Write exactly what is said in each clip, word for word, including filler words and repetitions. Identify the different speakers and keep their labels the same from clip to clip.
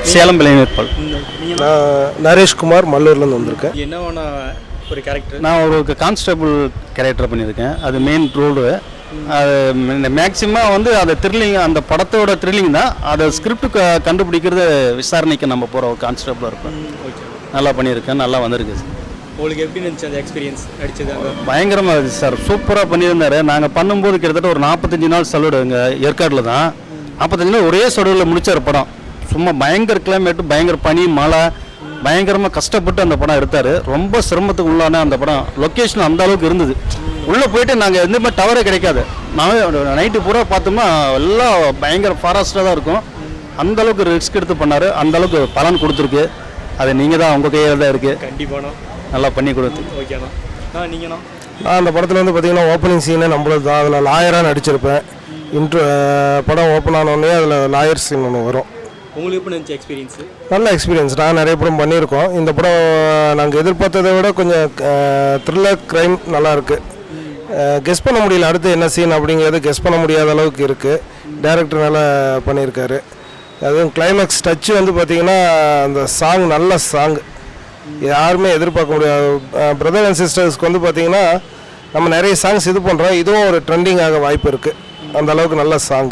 Speaker 1: சேலம் இளைஞர்கள்.
Speaker 2: நான் நரேஷ்குமார் மல்லூர்லேருந்து வந்திருக்கேன்.
Speaker 3: என்ன ஒரு கேரக்டர்?
Speaker 1: நான் ஒரு கான்ஸ்டபிள் கேரக்டர் பண்ணியிருக்கேன். அது மெயின் ரோடு. அது மேக்சிமம் வந்து அது த்ரில்லிங், அந்த படத்தோட த்ரில்லிங் தான். அதை ஸ்கிரிப்ட் க கண்டுபிடிக்கிறது விசாரணைக்கு நம்ம போகிற ஒரு கான்ஸ்டபிளாக இருக்கும். நல்லா பண்ணியிருக்கேன், நல்லா வந்திருக்கு.
Speaker 3: உங்களுக்கு எப்படி இருந்துச்சு அந்த எக்ஸ்பீரியன்ஸ் நடிச்சது?
Speaker 1: பயங்கரமாக இருந்துச்சு சார், சூப்பராக பண்ணியிருந்தார். நாங்கள் பண்ணும்போது கிட்டத்தட்ட ஒரு நாற்பத்தஞ்சு நாள் சலுடு இங்கே ஏற்காடில் தான். நாற்பத்தஞ்சு நாள் ஒரே சலுடில் முடிச்சார் படம். சும்மா பயங்கர கிளைமேட்டு, பயங்கர பனி, மழை, பயங்கரமாக கஷ்டப்பட்டு அந்த படம் எடுத்தார். ரொம்ப சிரமத்துக்கு உள்ளான அந்த படம். லொக்கேஷன் அந்த அளவுக்கு இருந்தது. உள்ளே போயிட்டு நாங்கள் எந்த மாதிரி டவரே கிடைக்காது. நான் நைட்டு பூரா பார்த்தோம்னா எல்லாம் பயங்கர ஃபாரஸ்ட்டாக தான் இருக்கும். அந்தளவுக்கு ரிஸ்க் எடுத்து பண்ணார். அந்தளவுக்கு பலன் கொடுத்துருக்கு. அது நீங்கள் தான், உங்கள் கையில் தான் இருக்குது.
Speaker 3: கண்டிப்பாண்ணா
Speaker 1: நல்லா பண்ணி கொடுத்து.
Speaker 3: ஓகேண்ணா. ஆ நீங்கண்ணா?
Speaker 2: நான் அந்த படத்தில் வந்து பார்த்திங்கன்னா ஓப்பனிங் சீனே நம்மளது தான். அதில் லாயராக நடிச்சிருப்பேன். இன்ட்ரு படம் ஓப்பன் ஆனோடனே அதில் லாயர் சீன் ஒன்று வரும்.
Speaker 3: உங்களுக்கு எப்படி இருந்துச்சு எக்ஸ்பீரியன்ஸு?
Speaker 2: நல்ல எக்ஸ்பீரியன்ஸ். நான் நிறைய படம் பண்ணியிருக்கோம். இந்த படம் நாங்கள் எதிர்பார்த்ததை விட கொஞ்சம் த்ரில்லர் க்ரைம் நல்லாயிருக்கு. கெஸ் பண்ண முடியல அடுத்து என்ன சீன் அப்படிங்கிறது, கெஸ் பண்ண முடியாத அளவுக்கு இருக்குது. டைரக்டர் நல்லா பண்ணியிருக்காரு. அதுவும் கிளைமேக்ஸ் டச்சு வந்து பார்த்திங்கன்னா அந்த சாங் நல்ல சாங், யாருமே எதிர்பார்க்க முடியாது. பிரதர் அண்ட் சிஸ்டர்ஸ்க்கு வந்து பார்த்திங்கன்னா நம்ம நிறைய சாங்ஸ் இது பண்ணுறோம். இதுவும் ஒரு ட்ரெண்டிங் ஆக வாய்ப்பு இருக்குது. அந்த அளவுக்கு நல்ல சாங்கு.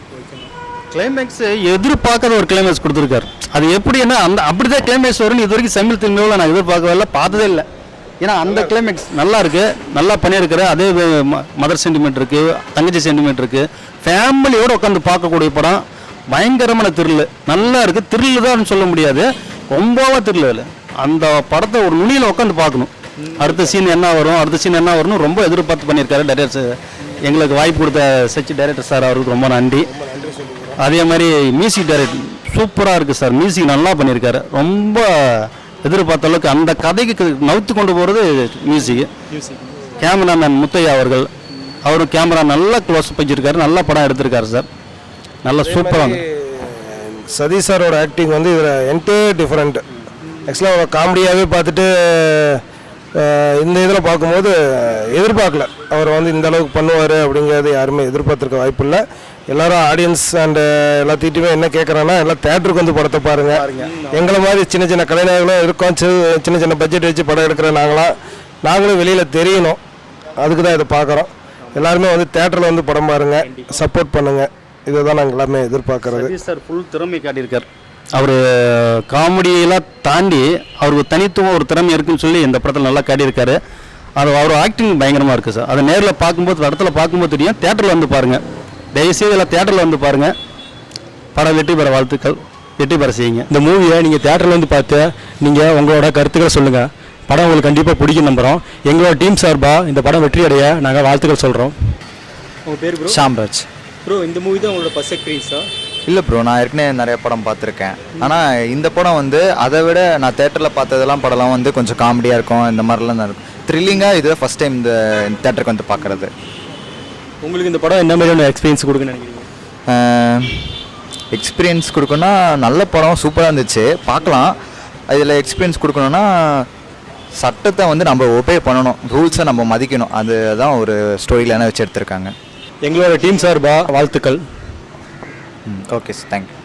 Speaker 1: கிளைமேக்ஸ் எதிர்பார்க்காத ஒரு கிளைமேக்ஸ் கொடுத்துருக்காரு. அது எப்படின்னா அந்த அப்படி தான் கிளைமேக்ஸ் வரும்னு இது வரைக்கும் தமிழ் திரும்பியில் நான் எதிர்பார்க்கவே இல்லை, பார்த்ததே இல்லை. ஏன்னா அந்த கிளைமேக்ஸ் நல்லா இருக்குது, நல்லா பண்ணியிருக்காரு. அதே மதர் சென்டிமெண்ட் இருக்குது, தங்கச்சி சென்டிமெண்ட் இருக்குது. ஃபேமிலியோடு உட்காந்து பார்க்கக்கூடிய படம். பயங்கரமான த்ரில்லு, நல்லா இருக்குது. த்ரில்லு தான் சொல்ல முடியாது, ரொம்பவா த்ரில்லு. அந்த படத்தை ஒரு நுனியில் உட்காந்து பார்க்கணும். அடுத்த சீன் என்ன வரும், அடுத்த சீன் என்ன வரும்னு ரொம்ப எதிர்பார்த்து பண்ணியிருக்காரு டைரக்டர். எங்களுக்கு வாய்ப்பு கொடுத்த சச்சி டைரக்டர் சார், அவருக்கு ரொம்ப நன்றி. அதே மாதிரி மியூசிக் டைரக்டர் சூப்பராக இருக்குது சார். மியூசிக் நல்லா பண்ணியிருக்காரு. ரொம்ப எதிர்பார்த்த அளவுக்கு அந்த கதைக்கு நவுத்து கொண்டு போகிறது மியூசிக். கேமராமேன் முத்தையா அவர்கள், அவரும் கேமரா நல்லா க்ளோஸ் வச்சிருக்காரு. நல்ல படம் எடுத்திருக்காரு சார். நல்லா சூப்பராக.
Speaker 2: சதீஷ் சாரோட ஆக்டிங் வந்து இதில் என்டையர் டிஃப்ரெண்ட். ஆக்சுவலாக அவர் காமெடியாகவே பார்த்துட்டு இந்த இதில் பார்க்கும்போது எதிர்பார்க்கல அவர் வந்து இந்த அளவுக்கு பண்ணுவார் அப்படிங்கிறது யாருமே எதிர்பார்த்துருக்க வாய்ப்பு இல்லை. எல்லோரும் ஆடியன்ஸ் அண்டு எல்லாத்திட்டுமே என்ன கேட்குறாங்கன்னா எல்லாம் தேட்டருக்கு வந்து படத்தை பாருங்கள். எங்களை மாதிரி சின்ன சின்ன கலைஞர்களும் இருக்கோம், சின்ன சின்ன பட்ஜெட் வச்சு படம் எடுக்கிற நாங்களாம் நாங்களும் வெளியில் தெரியணும். அதுக்கு தான் இதை பார்க்குறோம். எல்லாருமே வந்து தேட்டரில் வந்து படம் பாருங்கள், சப்போர்ட் பண்ணுங்கள். இதை தான் நாங்கள் எல்லாமே எதிர்பார்க்குறது.
Speaker 1: சார் ஃபுல் திறமை காட்டியிருக்கார். அவர் காமெடியெல்லாம் தாண்டி அவருக்கு தனித்துவம் ஒரு திறமை இருக்குன்னு சொல்லி இந்த படத்தில் நல்லா காட்டியிருக்காரு. அது அவர் ஆக்டிங் பயங்கரமாக இருக்குது சார். அதை நேரில் பார்க்கும்போது, இடத்துல பார்க்கும்போது தெரியும். தேட்டரில் வந்து பாருங்கள், தயவுசெய்து எல்லாம் தேட்டரில் வந்து பாருங்கள். படம் வெற்றி பெற வாழ்த்துக்கள், வெற்றி பெற செய்யுங்க.
Speaker 4: இந்த மூவியை நீங்கள் தேட்டரில் வந்து பார்த்து நீங்கள் உங்களோட கருத்துக்களை சொல்லுங்கள். படம் உங்களுக்கு கண்டிப்பாக பிடிக்கும் நம்புகிறோம். எங்களோட டீம் சார்பாக இந்த படம் வெற்றி அடைய நாங்கள் வாழ்த்துக்கள் சொல்கிறோம்.
Speaker 3: உங்கள் பேர் ப்ரோ?
Speaker 5: ஷாம்ராஜ்.
Speaker 3: ப்ரோ, இந்த மூவி தான் உங்களோட ஃபர்ஸ்ட் எக்ஸ்பீரியன்ஸா?
Speaker 5: இல்லை ப்ரோ, நான் ஏற்கனவே நிறைய படம் பார்த்துருக்கேன். ஆனால் இந்த படம் வந்து அதை விட நான் தேட்டரில் பார்த்ததெல்லாம் படம்லாம் வந்து கொஞ்சம் காமெடியாக இருக்கும், இந்த மாதிரிலாம் தான் இருக்கும். த்ரில்லிங்காக இது ஃபஸ்ட் டைம் இந்த தேட்டருக்கு வந்து பார்க்குறது.
Speaker 3: உங்களுக்கு இந்த படம் என்ன மாதிரியான எக்ஸ்பீரியன்ஸ் கொடுக்குன்னு நினைக்கிறீங்க?
Speaker 5: எக்ஸ்பீரியன்ஸ் கொடுக்கணுன்னா நல்ல படம், சூப்பராக இருந்துச்சு, பார்க்கலாம். இதில் எக்ஸ்பீரியன்ஸ் கொடுக்கணுன்னா சட்டத்தை வந்து நம்ம ஒபே பண்ணணும், ரூல்ஸை நம்ம மதிக்கணும். அதுதான் ஒரு ஸ்டோரியில் என்ன வச்சு எடுத்திருக்காங்க.
Speaker 4: எங்களோட டீம் சார்பாக வாழ்த்துக்கள்.
Speaker 5: Okay sir, thank you.